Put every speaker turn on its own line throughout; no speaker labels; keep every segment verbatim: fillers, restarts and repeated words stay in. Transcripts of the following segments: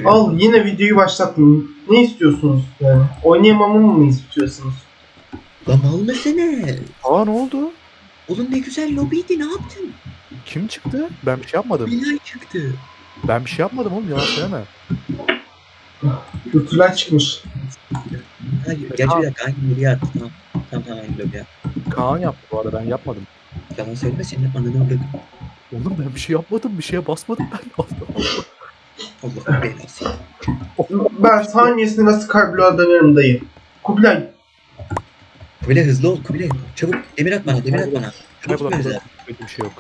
geliyorum.
Al yine videoyu başlattım. Ne istiyorsunuz yani? Oynayamamamı mı istiyorsunuz?
Lan mal mısın?
Aa ne oldu?
Oğlum ne güzel lobiydi, ne yaptın?
Kim çıktı? Ben bir şey yapmadım.
Bilal çıktı.
Ben bir şey yapmadım oğlum, yalan söyleme.
Kültürler çıkmış.
Hayır, gerçi bir dakika hangi lobiye attı? Tamam, tamam tamam hangi lobiye attı.
Kaan yaptı bu arada, ben yapmadım.
Yalan söyleme, senin ananı avradım.
Oğlum ben bir şey yapmadım, bir şeye basmadım ben. Allah Allah.
Allah'ın belası.
Ben saniyesinde nasıl kalbüler dönerim dayı. Kubilay.
Kubilay hızlı ol Kubilay. Çabuk demir at bana, demir at bana. Çabuk
Kaybolan
böyle.
böyle bir şey yok.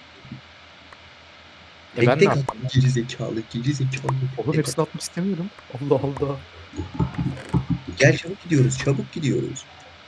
E ben ne
Tek
yapayım?
at. Geri zekalı, geri zekalı.
Oğlum
Tek at.
hepsini atmak istemiyorum. Allah Allah.
Gel çabuk gidiyoruz, çabuk gidiyoruz.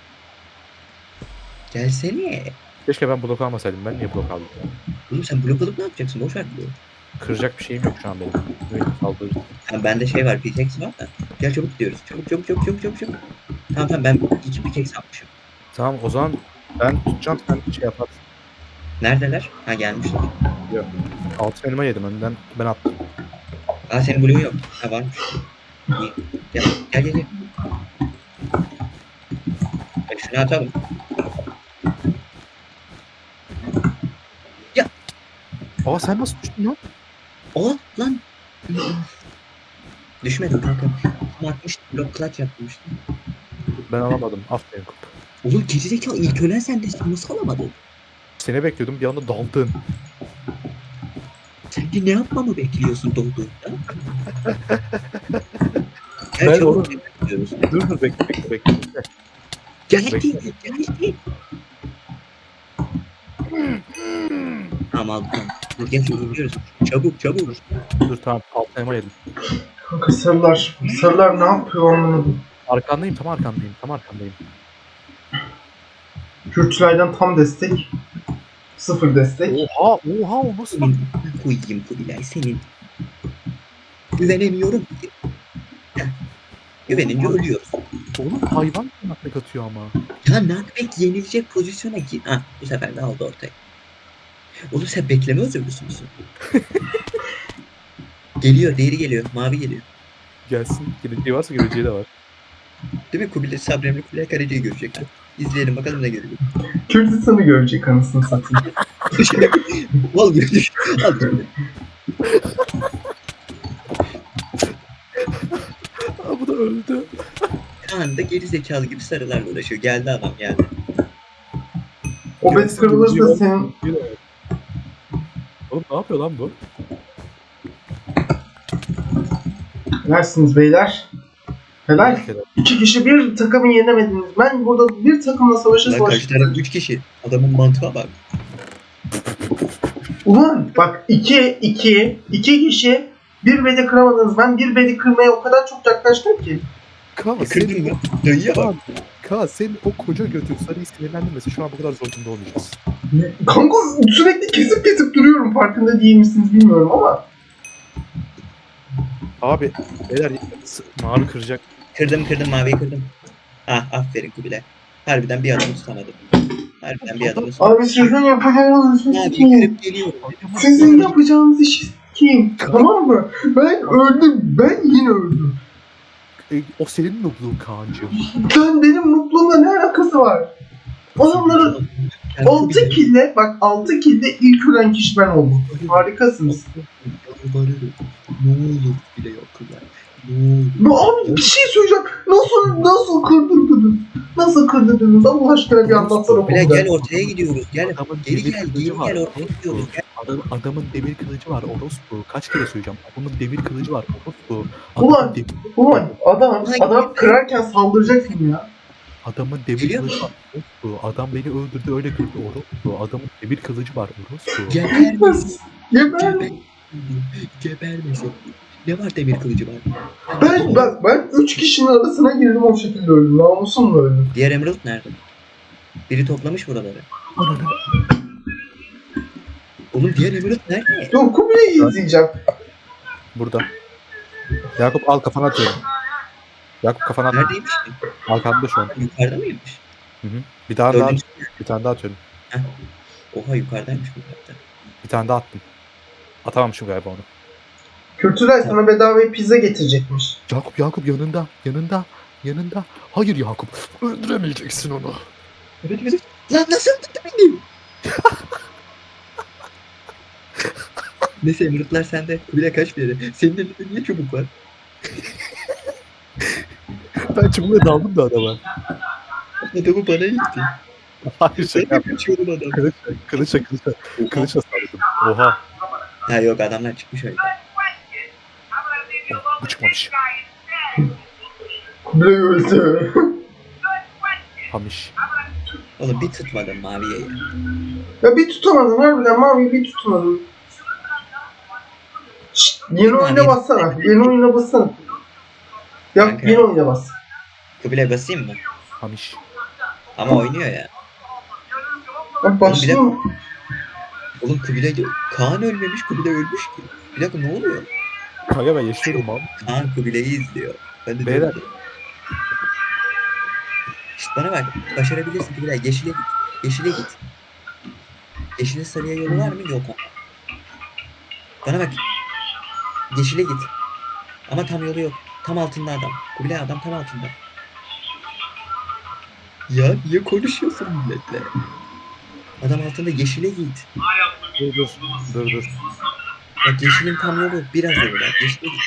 Gelsene.
Keşke ben blok almasaydım. Ben niye blok aldım?
Oğlum sen blok alıp ne yapacaksın? Boş ver bloğu.
Kıracak bir şeyim yok şu an benim. Böyle saldırırız.
Ha, bende şey var, pickaxe var da. Gel çabuk gidiyoruz. Çabuk çabuk çabuk çabuk çabuk çabuk. Tamam tamam ben iki pickaxe almışım.
Tamam o zaman ben tutacağım, sen şey yaparsın.
Neredeler? Ha gelmişler.
Altın elma yedim önden, ben attım.
Aa senin bloğun yok. Ha varmış. İyi. Gel gel gel. gel. Bak şunu atalım.
Aa sen nasıl düştün lan?
O lan. Düşmedim kanka. Ama atmıştım. Blok clutch yapmıştım.
Ben alamadım. Aferin kup.
Oğlum gerizekalı ilk ölen sendesin. Nasıl alamadın?
Seni bekliyordum, bir anda daldın.
Sen de ne yapmamı bekliyorsun dolduğunda? Gel
Ben
çabuk
onu-
bekliyoruz.
Dur dur bekle bekle bekle. bekle.
Geldi,
Bekle.
geldi. Tamam aldım. Tamam. Dur gel çabuk gidiyoruz. Çabuk çabuk.
Dur tamam, altın elma yedim.
Kanka sarılar. Sarılar ne yapıyor anlamadım.
Arkandayım, tam arkandayım, tam arkandayım.
Kürtçülerden tam destek. Sıfır destek.
Oha oha, o nasıl bak?
Senin koyayım Kubilay senin. Güvenemiyorum ki. Heh. Güvenince ölüyoruz.
Oğlum hayvan nakmek atıyor ama.
Ya Nakbek yenilecek pozisyona gir. Ha bu sefer de aldı ortaya. Oğlum sen bekleme özürlüsü müsün? Geliyor, diğeri geliyor. Mavi geliyor.
Gelsin. Geleceği varsa geleceği de var.
Değil mi? Kubilay Sabremli Kubilay Karaca'yı görecekler. İzleyelim bakalım ne görecek.
Kürtistan'ı görecek anasını satayım.
Al gördük. Al gördük.
Aa bu da öldü.
Şu anda geri zekalı gibi sarılarla uğraşıyor. Geldi adam geldi.
O bet kırılırsa senin...
Oğlum ne yapıyor lan bu?
Nersiniz beyler? Helal. İki kişi bir takımı yenemediniz. Ben burada bir takımla savaşa
Lan karşı
savaştım.
taraf üç kişi. Adamın mantığa bak.
Ulan bak iki, iki, iki kişi bir bedi kıramadınız. Ben bir bedi kırmaya o kadar çok yaklaştım ki.
Kaan
Kırdın
senin,
mı? Dayıya bak.
Kaan, Kaan senin o koca götün sarıyı sinirlendirmesi şu an bu kadar zor durumda olmayacağız.
Kanka sürekli kesip kesip duruyorum. Farkında değil misiniz bilmiyorum ama.
Abi beyler s- mavi kıracak.
Kırdım kırdım maviyi kırdım. Ah aferin Kubilay. Harbiden bir adamı tutamadım. Harbiden bir adamı tutamadım.
Abi sizin yapacağınız işi
Maviyi
sikeyim.
kırıp geliyorum.
Sizin yapacağınız işi sikeyim. Tamam mı? Ben öldüm. Ben yine öldüm.
E, o senin nubluğun Kaan'cığım.
Sen benim mutluluğumla ne alakası var? Adamların altı kille, bak altı kille ilk ölen kişi ben oldum. Harikasınız.
Yalvarırım. Ne olur bile yok Kubilay. Ne olur.
Bu abi bir şey söyleyeceğim. Nasıl nasıl kırdırdınız? Nasıl kırdırdınız? Allah aşkına bir anlatsana
Kubilay
bunu.
gel ortaya gidiyoruz. Gel.
Adamın
Geri
demir
gel.
kılıcı
Geri
var,
gel ortaya
orospu.
gidiyoruz. Gel.
Adam, adamın demir kılıcı var orospu. Kaç kere söyleyeceğim. Adamın demir kılıcı var orospu. Adamın,
Ulan.
demir,
Ulan adam, adam kırarken saldıracaksın ya.
adamın demir
Geliyor
kılıcı var orospu. Adam beni öldürdü öyle kırdı orospu. Adamın demir kılıcı var orospu.
Gebermesin.
Geber.
Geber. Gebermesin. Ne var demir kılıcı var?
Ben, ben, ben üç kişinin arasına girdim o şekilde öldüm. Namusumla öldüm.
Diğer Emerald nerede? Biri toplamış buraları.
Ananı.
Oğlum diğer Emerald nerede?
Dur Kubilay'ı izleyeceğim.
Burada. Yakup al, kafana atıyorum. Yakup kafana at.
Neredeymiş ki?
Arkamda şu an.
Yukarıda mıymış?
Hı hı. Bir tane daha,
Dördüncü.
bir tane daha atıyorum.
Oha yukarıdaymış bu hatta.
Bir tane daha attım. Atamamışım galiba onu.
Kültürel sana bedava pizza getirecekmiş.
Yakup Yakup yanında yanında yanında. Hayır Yakup öldüremeyeceksin onu.
Evet evet. Lan nasıl öldürdü beni? Neyse yumruklar sende. Bile kaç bir yere. Senin elinde niye çubuk var?
Ben çubuğuna daldım da adama.
Adamı bana itti.
Hayır
Ben
şaka
de
yaptım.
kaçıyordum adam.
Kılıçla kılıçla kılıçla kılıçla salladım. Oha.
Ha yok adamlar çıkmış öyle.
Oh, bu çıkmamış.
Kubilay öldü.
Hamiş.
Oğlum bir tutmadım maviye ya.
Ya bir tutamadın harbiden mavi bir tutamadın. Şşt, yeni
Mavi-
oyuna bassana. Yeni oyuna bassana. Ya
Kanka.
yeni oyuna bas.
Kubilay basayım mı?
Hamiş.
Ama oynuyor ya.
Bak başlayayım.
Oğlum Kubilay diyor. Kaan ölmemiş, Kubilay ölmüş ki. Bir dakika ne oluyor?
Kanka ben yaşıyorum abi.
Kaan Kubilay'ı izliyor. Ben de
Beyler.
diyorum ki, "Şşt, bana bak. Başarabilirsin Kubilay. Yeşile git. Yeşile git. Yeşile sarıya yolu var mı? Yok ama. Bana bak. Yeşile git. Ama tam yolu yok. Tam altında adam. Kubilay adam tam altında. Ya niye konuşuyorsun milletle? Adam altında yeşile git.
Dur dur. Dur dur.
Bak yeşilin tam yolu biraz yolu var. Yeşile git.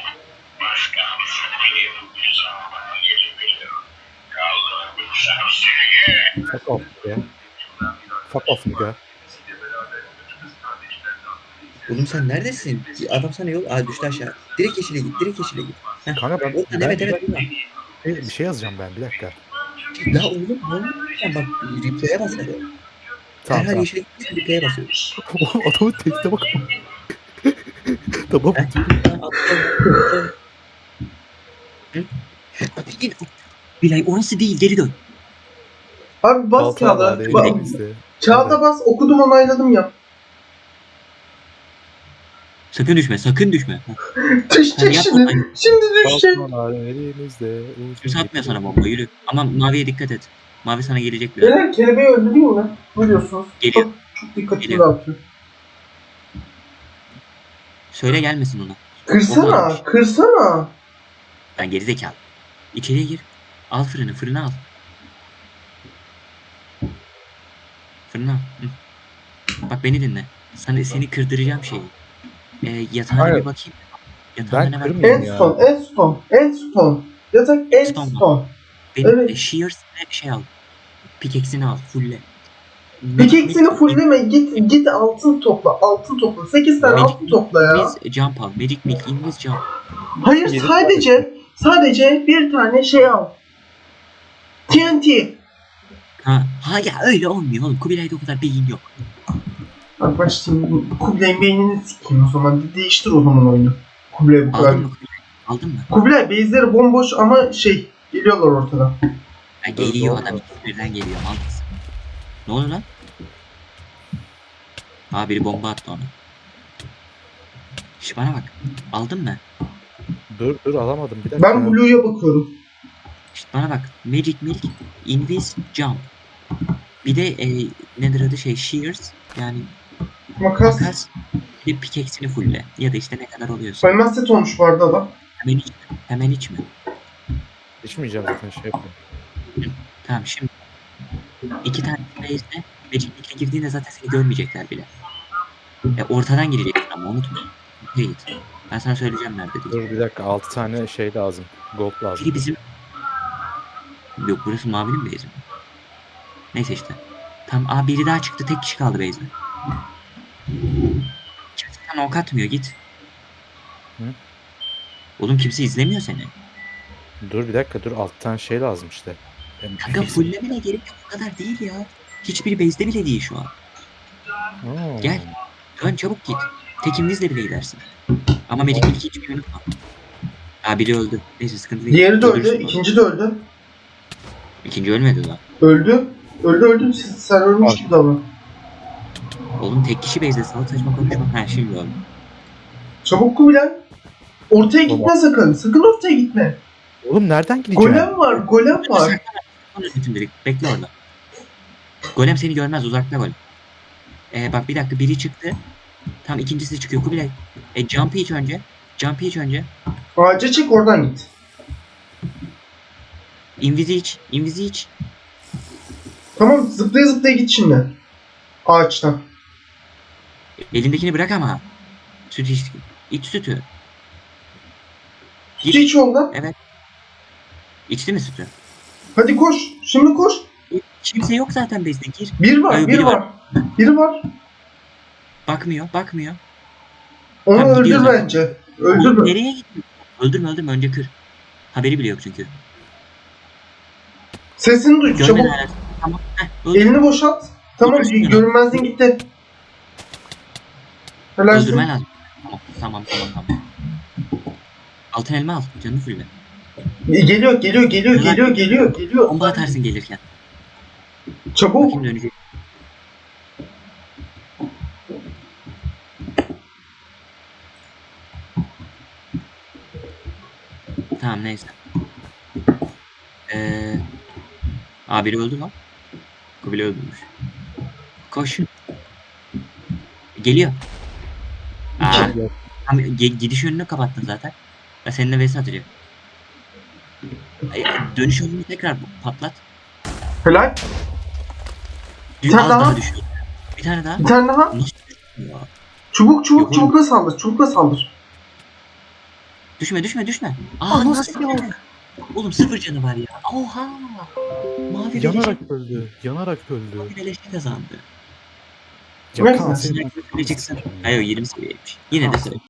Fuck off ya. Fuck off nigga.
Oğlum sen neredesin? Adam sana yol... Aa düştü aşağı. Direkt yeşile git. Direkt yeşile git. Heh.
Kanka ben,
Oradan,
ben
evet
bir
evet
dakika-
buradan.
bir şey yazacağım ben bir dakika.
La oğlum ne oluyor? Sen bak replay'e bas hadi.
Tamam
Herhal
tamam.
yeşile gitmişsin replay'e basıyorsun.
Oğlum adamın tekste bak. Tamam.
Heh. Tamam, atlıyorum. Hı? Hadi yine. Bilay orası değil geri dön.
Abi bas
Balta
kağıda.
var
Ba-
elimizde.
kağıda bas okudum onayladım yap.
Sakın düşme sakın düşme.
Düşecek
Sen yap
şimdi.
onayı.
Şimdi düşecek.
Baltalar elimizde.
Kimse atmıyor sana bomba yürü. Ama maviye dikkat et. Mavi sana gelecek biraz.
Beyler kelebeği öldüreyim mi? Ne diyorsunuz?
Geliyor.
Çok, çok dikkatimi
Geliyor.
dağıtıyor.
Söyle gelmesin ona.
Kırsana, kırsana.
Ben gerizekalı. İçeriye gir. Al fırını, fırını al. Fırını al. Hı. Bak beni dinle. Sana, seni kırdıracağım şeyi. Ee, yatağına
Hayır.
bir bakayım. Yatağında
Ben
ne var?
kırmıyorum ya.
Endstone, Endstone, Endstone. Yatak
Endstone
Endstone.
Benim
Evet.
e, Shears ne şey al. Pickaxe'ini al. Fulle.
Pickaxe'ini fullleme, git git altın topla, altın topla. sekiz tane
Magic
altın topla ya.
Biz jump al. Magic Milk, İngiliz jump.
Hayır
Yedi
sadece, sadece bir tane şey al. T N T.
Ha, ha ya öyle olmuyor oğlum. Kubilay'da o kadar beyin yok.
Bak bak şimdi Kubilay beynini sikeyim o zaman. De- değiştir o zaman oyunu. Kubilay bu kadar.
Aldın mı Kubilay? Aldın mı?
Kubilay base'leri bomboş ama şey geliyorlar ortadan.
Ya
Dur,
geliyor
doğru.
adam. İkisi birden geliyor. Mal mısın? Ne oluyor lan? Aa biri bomba attı ona. Şş bana bak. Aldın mı?
Dur dur alamadım bir dakika.
Ben Blue'ya bakıyorum.
Şş bana bak. Magic Milk, Invis, Jump. Bir de e, nedir adı şey Shears yani
Makas.
makas bir de pickaxe'ini fulle. Ya da işte ne kadar oluyorsa.
Elmas set olmuş bu arada adam.
Hemen içme. Hemen içme.
İçmeyeceğim zaten şey yapıyorum.
Tamam şimdi. İki tane base'de Magic Milk'e girdiğinde zaten seni görmeyecekler bile. E, ortadan gireceksin ama unutma. Ortaya git. Ben sana söyleyeceğim nerede diye.
Dur bir dakika altı tane şey lazım. Gold lazım.
Biri bizim... Yok burası mavinin base'i mi? Neyse işte. Tamam aa biri daha çıktı tek kişi kaldı base'de. Kimse sana ok atmıyor git.
Hı?
Oğlum kimse izlemiyor seni.
Dur bir dakika dur altı tane şey lazım işte. Hem-
Kanka fulllemene gerek yok o kadar değil ya. Hiçbir base'de bile değil şu an.
Oo.
Gel. Dön çabuk git. Tekimizle bile gidersin. Ama Magic Milk'i hiçbir unutma. Aa biri öldü. Neyse sıkıntı değil.
Diğeri de öldü,
Öldürürsün onu.
ikinci de öldü.
İkinci ölmedi daha.
Öldü. Öldü öldü. Siz- Sen ölmüş gibi davran.
Oğlum tek kişi base'de salak saçma konuşma. Ha şimdi öldü.
Çabuk Kubilay. Ortaya
Tamam.
gitme sakın. Sakın ortaya gitme.
Oğlum nereden gideceğim?
Golem var, golem var.
Sonra şimdilik bekle orada. Golem seni görmez uzakta golem. Ee, bak bir dakika biri çıktı. Tam ikincisi çıkıyor Kubilay. E jump'ı iç önce. Jumpy iç önce.
Ağaca çık oradan git.
Invis'i iç. Invis'i iç.
Tamam zıplaya zıplaya git şimdi. Ağaçtan.
Elindekini bırak ama. Süt iç. İç sütü.
Sütü iç yolda.
Evet. İçti mi sütü?
Hadi koş. Şimdi koş.
Kimse yok zaten base'de. Gir.
Bir var,
Hayır,
bir
biri
var.
var.
Biri var.
Bakmıyor. Bakmıyor.
Onu
Tamam,
öldür
gidiyor zaten.
bence.
Oğlum,
Öldürme.
nereye gidiyor? Öldürme öldürme. Önce kır. Haberi bile yok çünkü.
Sesini duy
Gönder
çabuk.
hala. Tamam. Heh, öldür.
Elini boşalt. Tamam
Öldürsün onu.
görünmezliğin gitti. Helalsin.
Öldürmen lazım. Tamam tamam tamam. tamam. Altın elma al. Canını fulle.
Geliyor, geliyor, geliyor,
Helal.
geliyor, geliyor, geliyor.
Bomba atarsın gelirken.
Çabuk.
Bakayım dönecek. Tamam neyse. Ee, Aa biri öldü lan. Kubile öldürmüş. Koş. Geliyor. Aa,
Ya,
tam ge- gidiş yönünü kapattın zaten. Ya seninle vs atacak. Ay, dönüş yolunu tekrar patlat.
Helal.
Bir
tane
az
daha.
daha düşüyor. Bir tane daha.
Bir tane daha.
Nasıl düşüyor?
Çubuk, çubuk,
Yok oğlum.
çubukla saldır, çubukla saldır.
Düşme düşme düşme. Aa
Aa,
nasıl
nasıl
ya? Oğlum sıfır canı var ya. Oha. Mavi beleşe,
yanarak öldü. Yanarak öldü.
mavi beleşe kazandı.
Ya
Neyse.
Kaan senin
Sniper çıksın. Hayır yirmi seviyeymiş. Yine de söyle.